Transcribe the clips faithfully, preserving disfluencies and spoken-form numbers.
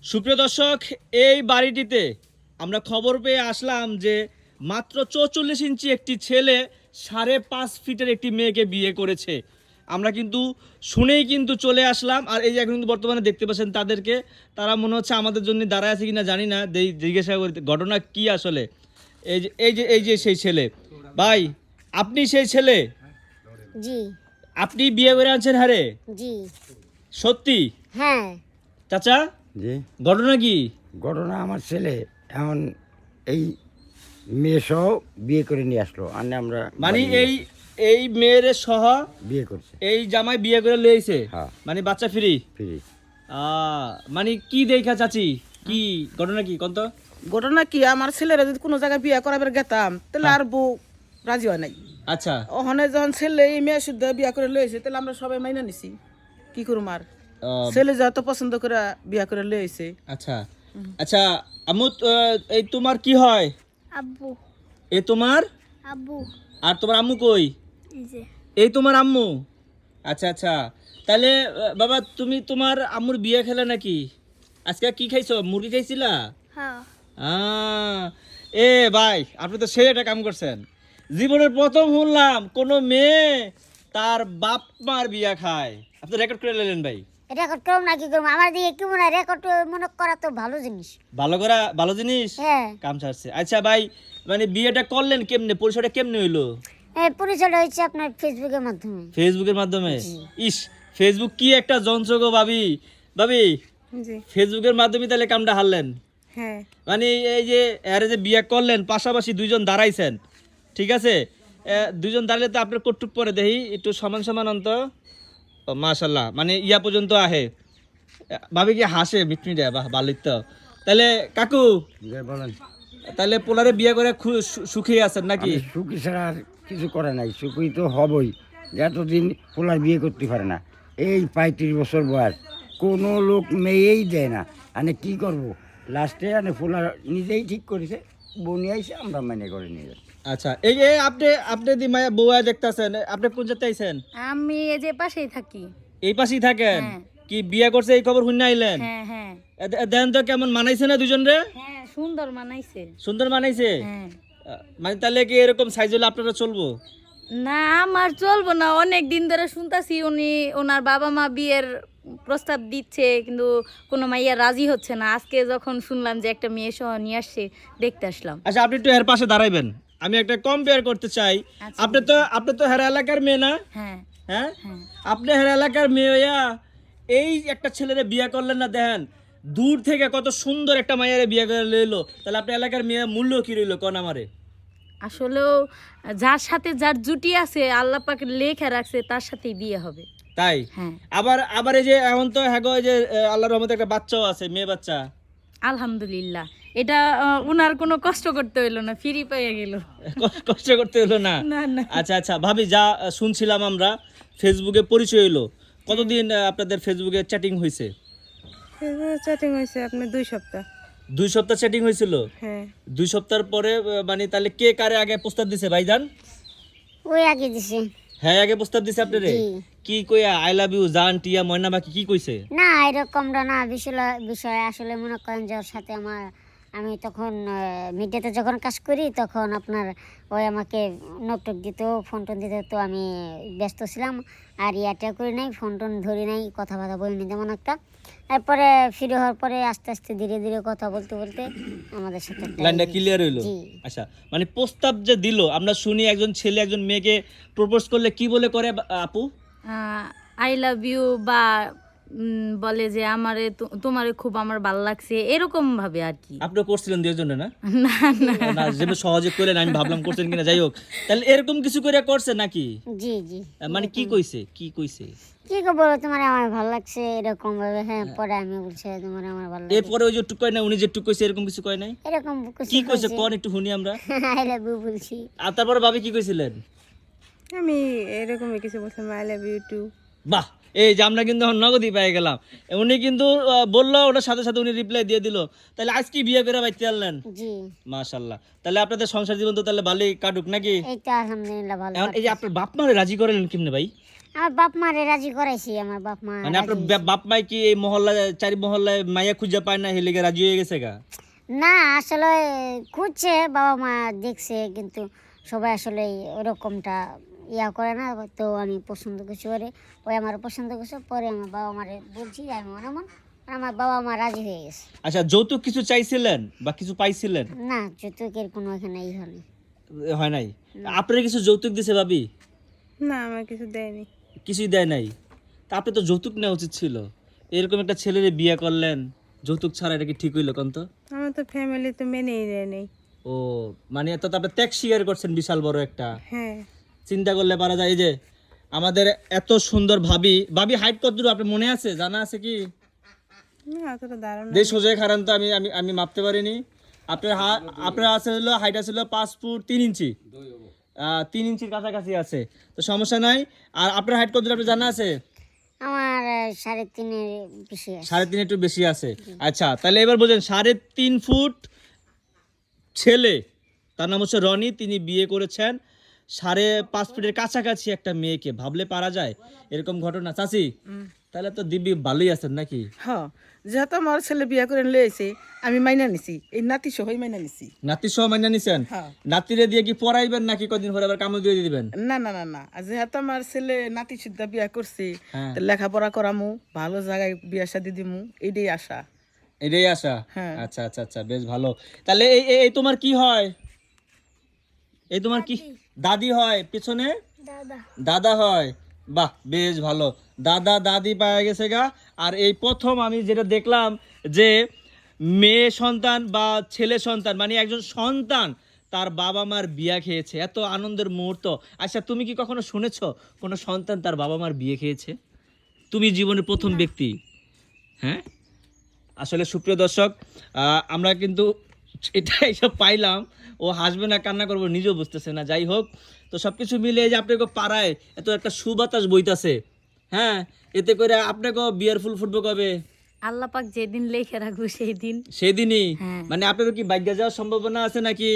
সুপ্রিয় দর্শক, এই বাড়িটিতে আমরা খবর পেয়ে আসলাম যে মাত্র চৌচল্লিশ ইঞ্চি একটি ছেলে সাড়ে পাঁচ ফিটের একটি মেয়েকে বিয়ে করেছে। আমরা কিন্তু শুনেই কিন্তু চলে আসলাম। আর এই যে এখন কিন্তু বর্তমানে দেখতে পাচ্ছেন তাদেরকে, তারা মনে হচ্ছে আমাদের জন্য দাঁড়ায় আছে কিনা জানি না, জিজ্ঞাসা করি ঘটনা কি আসলে। এই যে এই যে এই যে সেই ছেলে, ভাই আপনি সেই ছেলে? জি। আপনি বিয়ে করে আনছেন? হারে জি। সত্যি? হ্যাঁ। চাচা জি, ঘটনা কি? ঘটনা আমার ছেলে এখন এই মেয়ে সহ বিয়ে করে নিয়ে আসলো, আর আমরা মানে বাড়ি এই এই মেয়ের সহ বিয়ে করছে। এই জামাই বিয়ে করে লইছে? হ্যাঁ। মানে বাচ্চা ফ্রি? ফ্রি। আহ মানে কি দেখা চাচি, কি ঘটনা কি কোন তো? ঘটনা কি, আমার ছেলেরা যদি কোনো জায়গায় বিয়ে করাবার গেতাম তাহলে আর বউ রাজি হয় নাই। আচ্ছা। ওখানে যখন ছেলে এই মেয়ে শুদ্ধ বিয়ে করে লয়েছে তাহলে আমরা সবাই মাইনা নিছি, কি করুম আর। আহ, ছেলে যত পছন্দ করে বিয়ে করে লয়েছে। আচ্ছা আচ্ছা আম্মু, আহ, এই তোমার কি হয়? আব্বু। এই তোমার? আব্বু। আর তোমার আম্মু কই? এই যে। এই তোমার আম্মু? আচ্ছা আচ্ছা, তাহলে আহ, বাবা তুমি তোমার আম্মুর বিয়ে খেলে নাকি? আজকে কি খাইছো? মুরগি খাইছিলা? হ্যাঁ। আহ, এ ভাই আপনি তো সেই একটা কাম করছেন। জীবনের প্রথম শুনলাম কোন মেয়ে তার বাপ মার বিয়া খায়। আপনি রেকর্ড করে নিলেন ভাই। রেকর্ড করুম না কি করুম, আমার দিকে কি মনে হয় রেকর্ড মনে করা তো ভালো জিনিস। ভালো করা ভালো জিনিস। হ্যাঁ। কাম ছাড়ছে। আচ্ছা ভাই, মানে বিয়েটা করলেন কেমনে? পরিচয়টা কেমনে হইলো? এই পরিচয়টা হচ্ছে আপনার ফেসবুকের মাধ্যমে। ফেসবুকের মাধ্যমে? ইস, ফেসবুক কি একটা যন্ত্র গো ভাবি। ভাবি জি। ফেসবুকের মাধ্যমে তাহলে কামটা হারলেন? হ্যাঁ। মানে এই যে এরা যে বিয়ে করলেন, পাশাপাশি দুইজন দাঁড়াইছেন, ঠিক আছে? এ, দুইজন দাঁড়ালে তো আপনার কটুক পরে দেখি একটু সমান সমান অন্ত। ও মাশাল্লাহ, মানে ইয়া পর্যন্ত আহে। এ, ভাবি কি হাসে মিটমিটে, বাহ ভালোই তো। তাহলে কাকু, যে বলেন, তাহলে পোলারে বিয়ে করে খু- সু- সুখী আছেন নাকি? আমি সুখী ছাড়া আর কিছু করে নাই, সুখী তো হবই। এতদিন পোলার বিয়ে করতে পারে না, এই পঁয়ত্রিশ বছর বয়স কোনো লোক মেয়েই দেয় না। মানে কি করব, লাস্টে মানে পোলার নিজেই ঠিক করেছে, বনি আইসে আমরা মানে করে নিয়ে যাচ্ছি। আচ্ছা, এই যে আপনি আপনি দি মায়া বউয়া দেখতাছেন, আপনি কোন জায়গায় আইছেন? আমি এই যে পাশেই থাকি। এই পাশেই থাকেন? হ্যাঁ। কি বিয়ে করছে এই খবর শুনে আইলেন? হ্যাঁ হ্যাঁ এ, দে- দেন তো কেমন মানাইছে না দুজন রে? হ্যাঁ, সুন্দর মানাইছে। সুন্দর মানাইছে? হ্যাঁ। আহ, মানে তাহলে কি এরকম সাইজ হলে আপনারা চলবো? না, আমার চলবো না। অনেক দিন ধরে শুনতাছি উনি ওনার বাবা মা বিয়ের প্রস্তাব দিচ্ছে, কিন্তু কোনো মাইয়া রাজি হচ্ছে না। আজকে যখন শুনলাম যে একটা মেয়ে সহ নিয়ে আসছে, দেখতে আসলাম। আচ্ছা, আপনি একটু এর পাশে দাঁড়াইবেন, আমি একটা কম্পেয়ার করতে চাই। আচ্ছা। আপনি তো আপনি তো হেরা এলাকার মেয়ে না? হ্যাঁ হ্যাঁ, হ্যাঁ। আপনি হেরা এলাকার মেয়ে হইয়া এই একটা ছেলেরে বিয়ে করলেন না? দেখেন দূর থেকে কত সুন্দর একটা মায়ের বিয়ে করে লইলো, তাহলে আপনার এলাকার মেয়ে মূল্য কি রইলো কোন আমারে? আসলেও যার সাথে যার জুটি আছে, আল্লাহ পাক লেখা রাখছে তার সাথেই বিয়ে হবে। তাই? হ্যাঁ। আবার আবার এই যে এখন তো হ্যাঁ গো, এই যে আহ, আল্লাহর রহমতে একটা বাচ্চাও আছে, মেয়ে বাচ্চা। আলহামদুলিল্লাহ, এটা আহ, উনার কোনো কষ্ট করতে হইলো না, ফ্রি পেয়ে গেল। কষ্ট- কষ্ট করতে হলো না? না না। আচ্ছা আচ্ছা ভাবি, যা আহ, শুনছিলাম আমরা ফেসবুকে পরিচয় হইলো, কতদিন আহ, আপনাদের ফেসবুকে চ্যাটিং হয়েছে? চ্যাটিং হয়েছে আপনার দুই সপ্তাহ। দুই সপ্তাহ চ্যাটিং হয়েছিল? হ্যাঁ। দুই সপ্তাহের পরে আহ, মানে তাহলে কে কারে আগে প্রস্তাব দিছে ভাইজান? ওই আগে দিছে। হ্যাঁ আগে প্রস্তাব দিছে আপনারে? জি। কি কইয়া আই লাভ ইউ জান টিয়া ময়না বাকি কি কইছে? না এরকমটা না, বিষয় বিষয় আসলে মনে করেন যে ওর সাথে আমার, আমি তখন মিডিয়াতে যখন কাজ করি তখন আপনার ওই আমাকে নোটটোক দিত, ফোন টোন দিত, তো আমি ব্যস্ত ছিলাম আর ইয়াটা করি নাই, ফোন টোন ধরি নাই, কথা বার্তা বলিনি তেমন একটা। তারপরে ফ্রি হওয়ার পরে আস্তে আস্তে ধীরে ধীরে কথা বলতে বলতে আমাদের সাথে একটা লাইনটা এই- ক্লিয়ার হইলো? জি। আচ্ছা, মানে প্রস্তাব যে দিল, আমরা শুনি একজন ছেলে একজন মেয়েকে প্রপোজ করলে কি বলে করে বা- আপু? আই লাভ ইউ, বা উম, বলে যে আমারে তো- তোমারে খুব আমার ভালো লাগছে, এরকম ভাবে আর কি। আপনি করছিলেন দুই জন্য না? না না। না, যেভাবে সহজে করলেন আমি ভাবলাম করছেন কিনা, যাই হোক। তাহলে এরকম কিছু করে করছে নাকি? জি জি। আহ, মানে কি কইছে কি কইছে? কি গো বলো, তোমার আমার ভালো লাগছে এরকম ভাবে। হ্যাঁ, পরে আমি বলছি তোমার আমার ভালো লাগে এরপরে ওই যে টুক কয় না, উনি যে টুক কইছে এরকম কিছু কয় নাই? এরকম কি কইছে কোন একটু শুনি আমরা। আই লাভ ইউ বলছি। আর তারপরে ভাবি কি কইছিলেন? আমি এরকমই কিছু বলছিলাম, আই লাভ ইউ টু। বাহ, এই যে আমরা কিন্তু এখন নগদই পেয়ে গেলাম। উনি কিন্তু আহ, বললো, ওটার সাথে সাথে উনি রিপ্লাই দিয়ে দিল। তাহলে আজ কি বিয়ে করে বাইতে আনলেন? জি। মাশাআল্লাহ, তাহলে আপনাদের সংসার জীবন তো তাহলে ভালোই কাটুক নাকি? এই তো আলহামদুলিল্লাহ ভালো এখন এই যে আপনার বাপ মারে রাজি করালেন কেমনে ভাই? আমার বাপ মারে রাজি করাইছি, আমার বাপ মা মানে আপনার রাজি বা- বাপ মাই কি এই মহল্লায় চারি মহল্লায় মাইয়া খুঁজে পায় না হেলিগে রাজি হয়ে গেছে গা? না, আসলে খুঁজছে, বাবা মা দেখছে, কিন্তু সবাই আসলে ওরকমটা ইয়া করে না। তো আমি পছন্দ করছি ওরে, ওই আমার পছন্দ করছে, পরে আমার বাবা মারে বলছি আমি মনে মন, আমার বাবা মা রাজি হয়ে গেছে। আচ্ছা, যৌতুক কিছু চাইছিলেন বা কিছু পাইছিলেন? না, যৌতুকের কোনো এখানে ই হয়নি। হয় নাই? আপনার কিছু যৌতুক দিছে ভাবি? না, আমার কিছু দেয়নি। কিছুই দেয় নাই? তা আপনি তো যৌতুক নেওয়া উচিত ছিল। এরকম একটা ছেলেরে বিয়ে করলেন যৌতুক ছাড়া, এটা কি ঠিক হইলো কোন তো? আমার তো ফ্যামিলি তো মেনেই দেয় নাই। ও মানে এত তো আপনি ত্যাগ স্বীকার করছেন বিশাল বড় একটা। হ্যাঁ, চিন্তা করলে পারা যায়। এই যে আমাদের এত সুন্দর ভাবি, ভাবি হাইট কত দূর আপনার মনে আছে, জানা আছে কি? না অতটা ধারণা। দেশ সোজাই খারান তো আমি আমি আমি মাপতে পারিনি। আপনার হা আপনার আছে হলো হাইট আছে হলো পাঁচ ফুট তিন ইঞ্চি, আহ, তিন ইঞ্চির কাছাকাছি আছে, তো সমস্যা নাই। আর আপনার হাইট কত দূর আপনার জানা আছে? আমার আহ, সাড়ে তিনের বেশি আছে। সাড়ে তিন একটু বেশি আছে। আচ্ছা, তাহলে এবার বোঝেন, সাড়ে তিন ফুট ছেলে, তার নাম হচ্ছে রনি, তিনি বিয়ে করেছেন সাড়ে পাঁচ ফুটের কাছাকাছি একটা মেয়েকে। ভাবলে পারা যায় এরকম ঘটনা? চাচি, তাহলে তো দিব্যি ভালোই আছেন নাকি? হ্যাঁ, যেহেতু আমার ছেলে বিয়া করে লইছে আমি মাইনা নিছি, এই নাতি সহই মাইনা নিছি। নাতির সহ মাইনা নিছেন? হ্যাঁ। নাতিরে দিয়ে কি পড়াইবেন নাকি কদিন পরে আবার কামড় দিয়ে দিবেন? না না না না, আর যেহেতু আমার ছেলে নাতি সুদ্ধা বিয়া করছে, হ্যাঁ। তো লেখাপড়া করামু, ভালো জায়গায় বিয়া শাদি দিমু, এইটাই আশা। এটাই আশা? হ্যাঁ। আচ্ছা আচ্ছা আচ্ছা, বেশ ভালো। তাহলে এই এই- এই তোমার কি হয়? এই তোমার কি দাদি হয় পিছনে? দাদা হয়। বাহ, বেশ ভালো। দাদা দাদি পাওয়া গেছে গা। আর এই প্রথম আমি যেটা দেখলাম যে মেয়ে সন্তান বা ছেলে সন্তান, মানে একজন সন্তান তার বাবা মার বিয়া খেয়েছে, এত আনন্দের মুহূর্ত। আচ্ছা, তুমি কি কখনো শুনেছো কোনো সন্তান তার বাবা মার বিয়ে খেয়েছে? তুমি জীবনের প্রথম ব্যক্তি। হ্যাঁ, আসলে সুপ্রিয় দর্শক, আহ, আমরা কিন্তু এটা এইসব পাইলাম, ও হাসবে না কান্না করবো নিজেও বুঝতেছে না। যাই হোক, তো সব কিছু মিলে এই যে আপনাকে পাড়ায় এত একটা সুবাতাস বইতাছে, হ্যাঁ, এতে করে আপনাকে বিয়ার ফুল ফুটবে কবে? আল্লাহ পাক যেদিন লেখে রাখবো সেই দিন। সেদিনই? হ্যাঁ। মানে আপনার কি বাইকে যাওয়ার সম্ভাবনা আছে নাকি?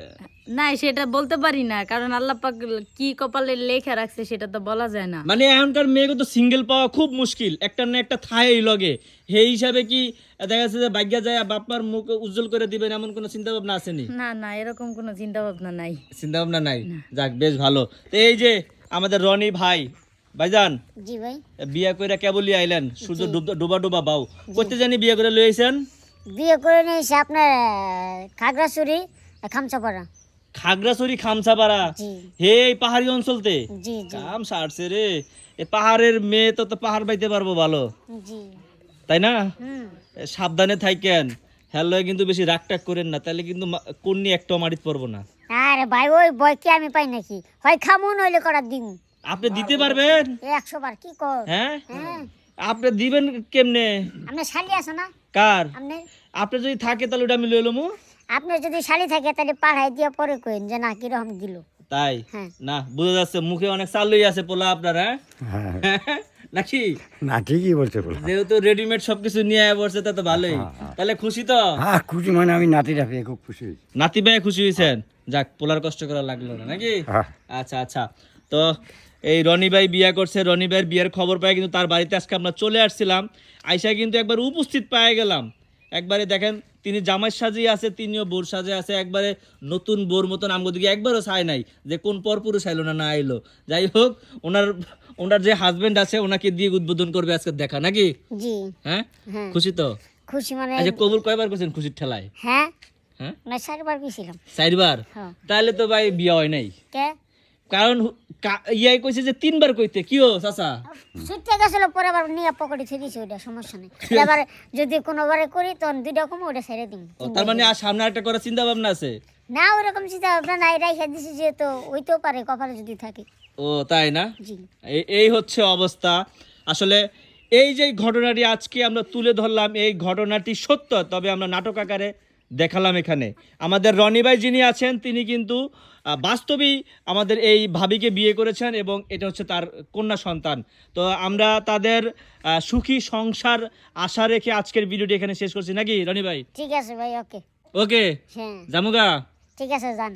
না, সেটা বলতে পারি না, কারণ আল্লাহ পাক কি কপালে লেখা রাখছে সেটা তো বলা যায় না। মানে এখনকার মেয়েকে তো সিঙ্গেল পাওয়া খুব মুশকিল, একটা না একটা থায় লগে। সেই হিসাবে কি দেখা যাচ্ছে যে বাইকে যায় বাপমার মুখ উজ্জ্বল করে দিবেন এমন কোনো চিন্তা ভাবনা আসেনি? না না, এরকম কোনো চিন্তা ভাবনা নাই। চিন্তা ভাবনা নাই? যাক, বেশ ভালো। তো এই যে আমাদের রনি ভাই, ভাইজান জি ভাই, বিয়া কইরা কেবলই আইলেন, সূর্য ডুব- ডুবা ডুবা বাউ, করতে জানি বিয়া করে লইছেন? বিয়ে করে নিয়েছে আপনার আহ, খাগড়াছড়ি খামচাপাড়া। খাগড়াছড়ি খামসাপাড়া? জি হে, এই পাহাড়ি অঞ্চলতে জি জি কাম সারছে রে। এ পাহাড়ের মেয়ে তো তো পাহাড় বাইতে পারবো ভালো, জি। তাই না? হুম। এ, সাবধানে থাকেন, হ্যালো কিন্তু বেশি রাগ টাগ করেন না, তাহলে কিন্তু কন্যা একটা মারিত পারবো না। আরে ভাই, ওই বই কি আমি পাই নাকি? হয় খামু নইলে করার দিন আপনি দিতে পারবেন? একশো বার কি কর। হ্যাঁ, হ্যাঁ, আপনি দিবেন কেমনে? আপনার শালি আছে না? কার? আপনি আপনি যদি থাকে তাহলে ওটা আমি লই লমু। আপনার যদি শালি থাকে তাহলে পাঠাই দিয়ে পরে কইন যে না কিরকম দিল। তাই হ্যাঁ। না, বোঝা যাচ্ছে মুখে অনেক চালুই আছে পোলা আপনার, হ্যাঁ হ্যাঁ, নাকি? না ঠিকই বলছে বলো। যেহেতু রেডিমেড সবকিছু নিয়ে আয়া পড়ছে, তা তো ভালোই। তাহলে খুশি তো? হ্যাঁ খুশি, মানে আমি নাতিটা পেয়ে খুব খুশি হয়েছি। নাতি ভাই খুশি হয়েছেন? যাক, পোলার কষ্ট করা লাগলো না নাকি? হ্যাঁ। আচ্ছা আচ্ছা, তো এই রনি ভাই বিয়া করছে, রনি ভাইয়ের বিয়ের খবর পাই কিন্তু তার বাড়িতে আজকে আমরা চলে আসছিলাম। আইসা কিন্তু একবার উপস্থিত পায়ে গেলাম। একবারে দেখেন, তিনি জামাই সাজিয়ে আছে, তিনিও বোর সাজে আছে, একবারে নতুন বোর মতন। আমগো দিকে একবারও চাই নাই যে কোন পরপুরুষ আইলো না না আইলো। যাই হোক, ওনার ওনার যে হাজবেন্ড আছে ওনাকে দিয়ে উদ্বোধন করবে আজকে দেখা নাকি? জি হ্যাঁ, হ্যাঁ, খুশি তো? খুশি মানে আচ্ছা, কবুল কয়বার করছেন খুশির ঠেলায়? হ্যাঁ, হ্যাঁ, না চারবার গেছিলাম। চারবার? হ্যাঁ। তাহলে তো ভাই বিয়া হয় নাই, কে কারণ কা- ইয়াই কইছে যে তিনবার কইতে। কি ও চাচা? সুইটটা গেছিল, পরে আবার নিয়ে পকেটে ছেড়ে দিয়েছি, ওইটা সমস্যা নেই। এবার যদি কোনোবারে করি তখন দুইটা কম ওটা ছেড়ে দিন। ও, তার মানে আর সামনে একটা করার চিন্তা ভাবনা আছে? না, ওরকম চিন্তা ভাবনা নাই, রাইখা দিছি যেহেতু ওইতেও পারে কপালে যদি থাকে। ও তাই না? জি এই এই হচ্ছে অবস্থা। আসলে এই যে ঘটনাটি আজকে আমরা তুলে ধরলাম, এই ঘটনাটি সত্য, তবে আমরা নাটক আকারে দেখালাম এখানে। আমাদের রনি ভাই যিনি আছেন তিনি কিন্তু আহ, বাস্তবেই আমাদের এই ভাবিকে বিয়ে করেছেন এবং এটা হচ্ছে তার কন্যা সন্তান। তো আমরা তাদের আহ, সুখী সংসার আশা রেখে আজকের ভিডিওটি এখানে শেষ করছি নাকি রনি ভাই? ঠিক আছে ভাই, ওকে। ওকে, হ্যাঁ জামুগা। ঠিক আছে, যান।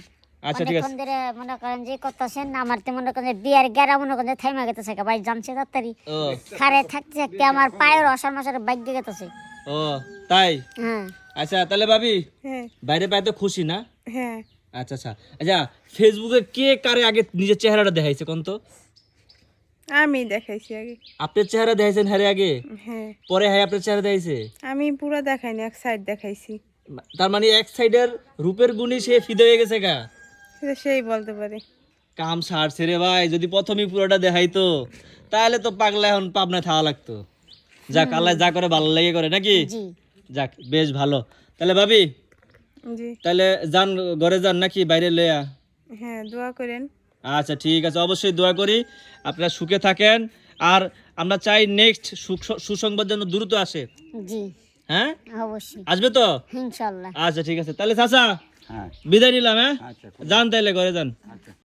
আচ্ছা ঠিক আছে অনেকক্ষণ ধরে মনে করেন যে করতেছেন আমার তো মনে করেন যে বিয়ার গেরা মনে করেন যে থাইমা গেতেছে ভাই জানছে তাড়াতাড়ি ও খারে থাকতে থাকতে আমার পায়ের অসার মাসার বাইক গেতেছে ও তাই হ্যাঁ আচ্ছা তাহলে ভাবি হ্যাঁ বাইরে পাই তো খুশি না হ্যাঁ আচ্ছা আচ্ছা আচ্ছা ফেসবুকে কে কারে আগে নিজের চেহারাটা দেখাইছে কোন তো আমি দেখাইছি আগে। আপনার চেহারা দেখাইছেন হ্যারে আগে হ্যাঁ পরে হ্যাঁ আপনার চেহারা দেখাইছে আমি পুরো দেখাইনি, এক সাইড দেখাইছি। তার মানে এক সাইডের রূপের গুণী সে ফিদে হয়ে গেছে গা সেটা সেই বলতে পারে। কাম সারছে রে ভাই যদি প্রথমেই পুরোটা দেখাইতো তাহলে তো পাগলা এখন পাবনায় থাকা লাগতো যাক আল্লাহ যা করে ভালো লেগে করে নাকি জি যাক বেশ ভালো তাহলে ভাবি জি তাহলে যান ঘরে যান নাকি বাইরে লইয়া হ্যাঁ, দোয়া করেন। আচ্ছা ঠিক আছে অবশ্যই দোয়া করি আপনারা সুখে থাকেন আর আমরা চাই নেক্সট সুসংবাদ যেন দ্রুত আসে জি হ্যাঁ অবশ্যই আসবে তো ইনশাল্লাহ আচ্ছা ঠিক আছে তাহলে চাচা হ্যাঁ বিদায় নিলাম হ্যাঁ আচ্ছা যান তাইলে ঘরে যান আচ্ছা